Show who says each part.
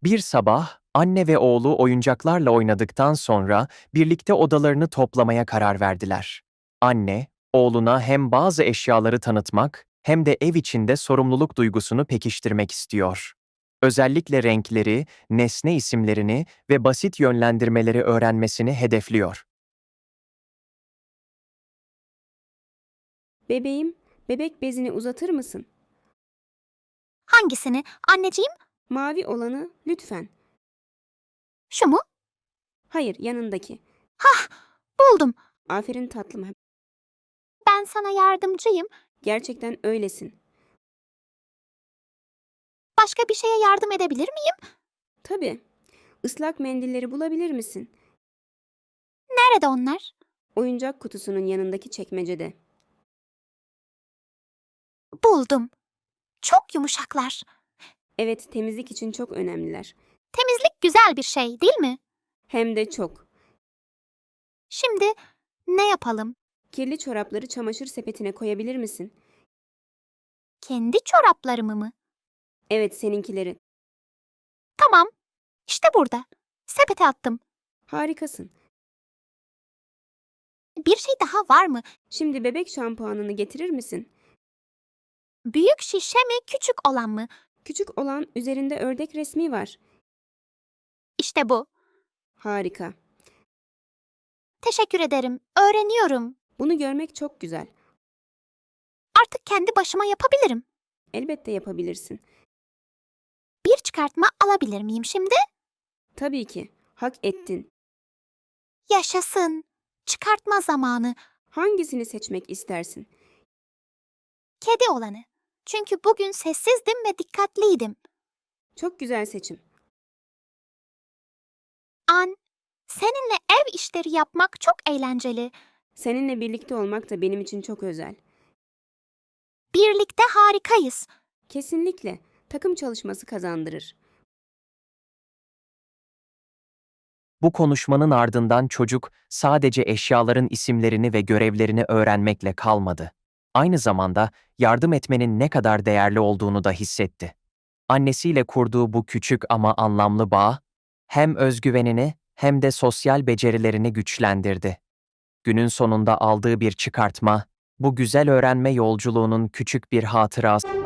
Speaker 1: Bir sabah anne ve oğlu oyuncaklarla oynadıktan sonra birlikte odalarını toplamaya karar verdiler. Anne, oğluna hem bazı eşyaları tanıtmak hem de ev içinde sorumluluk duygusunu pekiştirmek istiyor. Özellikle renkleri, nesne isimlerini ve basit yönlendirmeleri öğrenmesini hedefliyor.
Speaker 2: Bebeğim, bebek bezini uzatır mısın?
Speaker 3: Hangisini? Anneciğim,
Speaker 2: Mavi olanı lütfen.
Speaker 3: şu mu?
Speaker 2: Hayır, yanındaki.
Speaker 3: Hah, buldum.
Speaker 2: Aferin tatlım.
Speaker 3: Ben sana yardımcıyım.
Speaker 2: Gerçekten öylesin.
Speaker 3: Başka bir şeye yardım edebilir miyim?
Speaker 2: Tabii. Islak mendilleri bulabilir misin?
Speaker 3: Nerede onlar?
Speaker 2: Oyuncak kutusunun yanındaki çekmecede.
Speaker 3: Buldum. Çok yumuşaklar.
Speaker 2: Evet, temizlik için çok önemliler.
Speaker 3: Temizlik güzel bir şey, değil mi?
Speaker 2: Hem de çok.
Speaker 3: Şimdi ne yapalım?
Speaker 2: Kirli çorapları çamaşır sepetine koyabilir misin?
Speaker 3: Kendi çoraplarımı mı?
Speaker 2: Evet, seninkileri.
Speaker 3: Tamam. İşte burada. Sepete attım.
Speaker 2: Harikasın.
Speaker 3: Bir şey daha var mı?
Speaker 2: Şimdi bebek şampuanını getirir misin?
Speaker 3: Büyük şişe mi, küçük olan mı?
Speaker 2: Küçük olan üzerinde ördek resmi var.
Speaker 3: İşte bu.
Speaker 2: Harika.
Speaker 3: Teşekkür ederim. Öğreniyorum.
Speaker 2: Bunu görmek çok güzel.
Speaker 3: Artık kendi başıma yapabilirim.
Speaker 2: Elbette yapabilirsin.
Speaker 3: Bir çıkartma alabilir miyim şimdi?
Speaker 2: Tabii ki. Hak ettin.
Speaker 3: Yaşasın. Çıkartma zamanı.
Speaker 2: Hangisini seçmek istersin?
Speaker 3: Kedi olanı. Çünkü bugün sessizdim ve dikkatliydim.
Speaker 2: Çok güzel seçim.
Speaker 3: An, seninle ev işleri yapmak çok eğlenceli.
Speaker 2: Seninle birlikte olmak da benim için çok özel.
Speaker 3: Birlikte harikayız.
Speaker 2: Kesinlikle. Takım çalışması kazandırır.
Speaker 1: Bu konuşmanın ardından çocuk sadece eşyaların isimlerini ve görevlerini öğrenmekle kalmadı. Aynı zamanda yardım etmenin ne kadar değerli olduğunu da hissetti. Annesiyle kurduğu bu küçük ama anlamlı bağ, hem özgüvenini hem de sosyal becerilerini güçlendirdi. Günün sonunda aldığı bir çıkartma, bu güzel öğrenme yolculuğunun küçük bir hatırası.